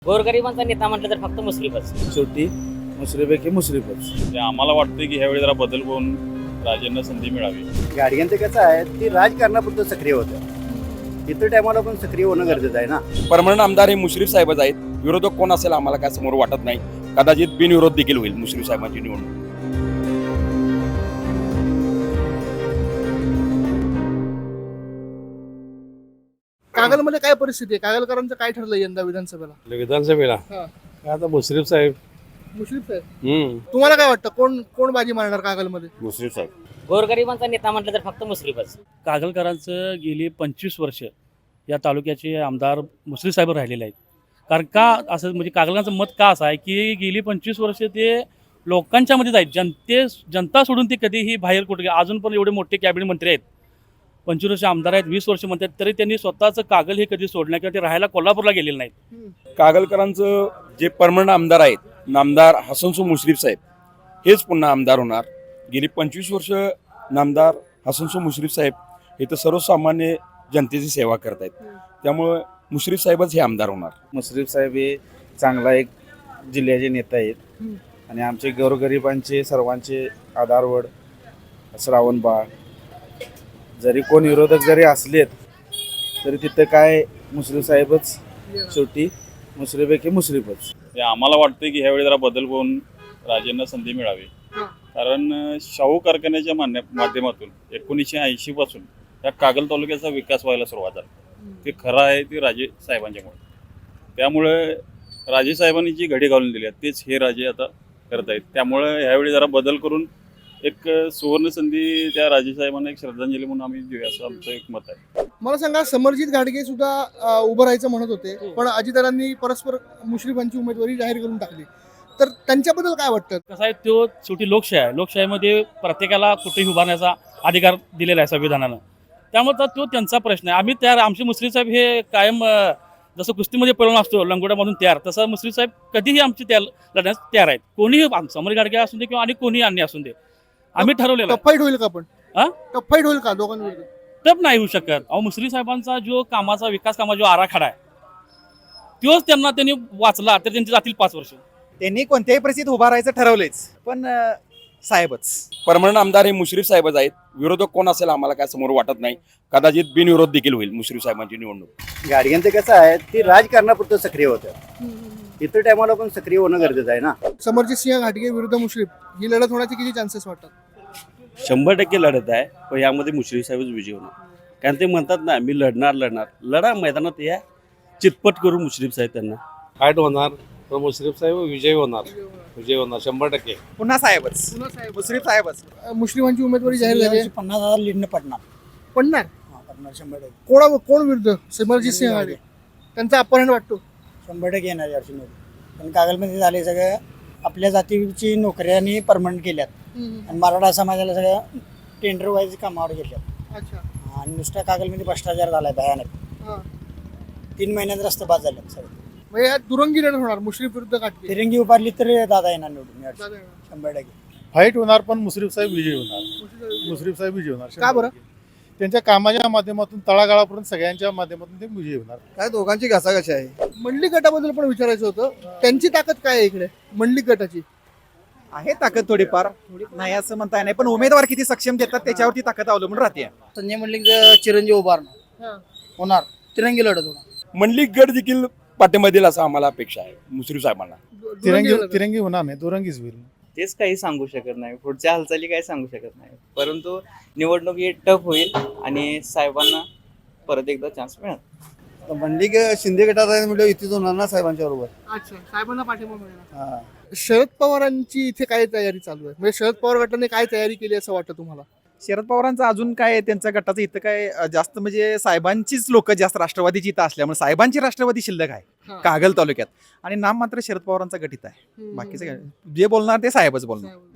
गोरगरिबांचा नेता म्हटलं तर फक्त मुश्रीफच. शेवटी मुश्रीफैकी मुश्रीफच. म्हणजे आम्हाला वाटतं की ह्यावेळी जरा बदल होऊन राजेंना संधी मिळावी. गाडग्यांचं कसं आहे ती राजकारणापुरतं सक्रिय होतं. इतर टायमाला पण सक्रिय होणं गरजेचं आहे ना. परमनंट आमदार हे मुश्रीफ साहेबच आहेत. विरोधक कोण असेल आम्हाला काय समोर वाटत नाही. कदाचित बिनविरोध देखील होईल मुश्रीफ साहेबांची निवडणूक. कागलमध्ये काय परिस्थिती आहे? कागलकरांचं काय ठरलं यंदा विधानसभेला? विधानसभेला हा. आता मुश्रीफ साहेब. मुश्रीफ साहेब, तुम्हाला काय वाटतं कोण कोण बाजी मारणार कागलमध्ये? मुश्रीफ साहेब. गोरगरिबांचा नेता म्हटलं तर फक्त मुश्रीफच. कागलकरांचं गेली 25 वर्ष या तालुक्याचे आमदार मुश्रीफ साहेब राहिलेले आहेत. कारण का असं म्हणजे कागलकरांचं मत का असं आहे की गेली 25 वर्ष ते लोकांच्या मध्येच आहेत. जनता सोडून ते कधीही बाहेर कुठे अजून पण एवढे मोठे कॅबिनेट मंत्री आहेत, 25 वर्ष आमदार आहेत, 20 वर्ष म्हणतात, तरी त्यांनी स्वतःचं कागल हे कधी सोडलं किंवा ते राहायला कोल्हापूरला गेलेले नाहीत. कागलकरांचं जे परमनंट आमदार आहेत, नामदार हसनसो मुश्रीफ साहेब हेच पुन्हा आमदार होणार. गेली 25 वर्ष नामदार हसनसो मुश्रीफ साहेब हे तर सर्वसामान्य जनतेची सेवा करत आहेत. त्यामुळं मुश्रीफ साहेबच हे आमदार होणार. मुश्रीफ साहेब हे चांगला एक जिल्ह्याचे नेता आहेत आणि आमचे गोरगरिबांचे सर्वांचे आधारवड श्रावण बाळ. जरी कोण विरोधक जरी असलेत तरी तिथं काय मुश्रीफ साहेबच शेवटी मुश्रीफैकी मुश्रीफच. म्हणजे आम्हाला वाटतं की ह्यावेळी जरा बदल होऊन राजेंना संधी मिळावी. कारण शाहू कारखान्याच्या माध्यमातून 1980 पासून या कागल तालुक्याचा विकास व्हायला सुरुवात झाली. ते खरं आहे ते राजे साहेबांच्यामुळे. त्यामुळे राजे साहेबांनी जी घडी घालून दिली आहे तेच हे राजे आता करत आहेत. त्यामुळे ह्यावेळी जरा बदल करून एक सुवर्ण संधी त्या राजे साहेबांना एक श्रद्धांजली म्हणून आम्ही देऊया असं आमचं एक मत आहे. मला सांगा, समरजित घाटगे सुद्धा उभं राहायचं म्हणत होते, पण अजितदादांनी परस्पर मुश्रीफांची उमेदवारी जाहीर करून टाकली. तर त्यांच्याबद्दल काय वाटतं? कसं आहे, तो शेवटी लोकशाही आहे. लोकशाहीमध्ये प्रत्येकाला कुठेही उभारण्याचा अधिकार दिलेला आहे संविधानानं. त्यामुळे तो त्यांचा प्रश्न आहे. आम्ही तयार, आमचे मुश्रीफ साहेब हे कायम जसं कुस्तीमध्ये पळून असतो लंगोट्यामधून तयार, तसं मुश्रीफ साहेब कधीही आमची लढण्यास तयार आहेत. कोणीही समर घाटगे असून दे किंवा आणि कोणीही अन्य असून दे, आम्ही ठरवलेलं. टफ फाईट होईल का? पण हा? टफ फाईट होईल का दोघांविरुद्ध? टप नाही होऊ शकत. अहो, मुश्रीफ साहेबांचा जो कामाचा विकास कामाचा जो आराखडा आहे तोच त्यांनी वाचला तर त्यांची जातील 5 वर्ष. त्यांनी कोणत्याही परिस्थितीत उभा राहायचं ठरवलेच, पण साहेबच. परमनंट आमदार हे मुश्रीफ साहेबच आहेत. विरोधक कोण असेल आम्हाला काय समोर वाटत नाही. कदाचित बिनविरोध देखील होईल मुश्रीफ साहेबांची निवडणूक. गाडग्यांचं कसं आहे ती राजकारणापुरतं सक्रिय होतं. इतर टायमाला पण सक्रिय होणं गरजेचं आहे ना. समरजित सिंह घाटगे विरुद्ध मुश्रीफ ही लढत होण्याचे किती चान्सेस वाटतात? 100% लढत आहे, पण यामध्ये मुश्रीफ साहेबच विजय होणार. कारण ते म्हणतात ना, मी लढणार. लढा मैदानात या, चितपट करू मुश्रीफ साहेब त्यांना. फाईट होणार तर मुश्रीफ साहेब विजय होणार. 100%. पुन्हा साहेबच, मुश्रीफ साहेबच. मुश्रीफांची उमेदवारी जाहीर झाली आहे. 50,000 लीडनं पडणार. पडणार? पडणार 100%. कोण विरुद्ध? समरजित सिंह घाटगे. त्यांचा अपहरण वाटतो 100% येणार यावर्षी मोदी. पण कागलमध्ये झाले सगळं आपल्या जातीची नोकऱ्यांनी परमनंट केल्यात आणि मराठा समाजाला सगळं टेंडर वाईज कामावर घेतल्यात. अच्छा. आणि नुसत्या कागलमध्ये भ्रष्टाचार झालाय भयानक. 3 महिन्यात रस्ते बाद झाले सगळं. म्हणजे यात दुरंगी लढत होणार मुश्रीफ विरुद्ध घाटगे. तिरंगी उभारली तर दादा येणार निवडून यावर्षी. 100%. फाईट होणार पण मुश्रीफ साहेब विजय होणार. मुश्रीफ साहेब विजय होणार. का बरं? त्यांच्या कामाच्या माध्यमातून तळागाळापर्यंत सगळ्यांच्या माध्यमातून ते विजय होणार. काय दोघांची घासाघाशी आहे. मंडलिक गटाबद्दल पण विचारायचं होतं. त्यांची ताकद काय आहे इकडे मंडलिक गटाची? आहे ताकद थोडीफार, नाही असं म्हणता नाही, पण उमेदवार किती सक्षम देतात त्याच्यावरती ताकद अवलंबून राहते. संजय मंडलिक चिरंजीव उभारणार होणार, तिरंगी लढत होणार. मंडलिक गट देखील पाठिंबा देईल असं आम्हाला अपेक्षा आहे मुश्रीफ साहेबांना. तिरंगी होणार नाही, दुरंगीच होईल. तेच काही सांगू शकत नाही, पुढच्या हालचाली काही सांगू शकत नाही, परंतु निवडणूक ही टफ होईल आणि साहेबांना परत एकदा चान्स मिळेल. मंडलिक शिंदे गटात आहे म्हणजे युतीच होणार ना साहेबांच्या बरोबर. अच्छा, साहेबांना पाठिंबा मिळणार. शरद पवारांची इथे काय तयारी चालू आहे? म्हणजे शरद पवार गटाने काय तयारी केली असं वाटतं तुम्हाला? शरद पवारांचं अजून काय, त्यांच्या गटाचं इथं काय जास्त म्हणजे साहेबांचीच लोक जास्त राष्ट्रवादीची इथं असल्यामुळे साहेबांची राष्ट्रवादी शिल्लक आहे कागल तालुक्यात आणि नाम मात्र शरद पवारांचा गट इथं आहे. बाकीचं काय जे बोलणार ते साहेबच बोलणार.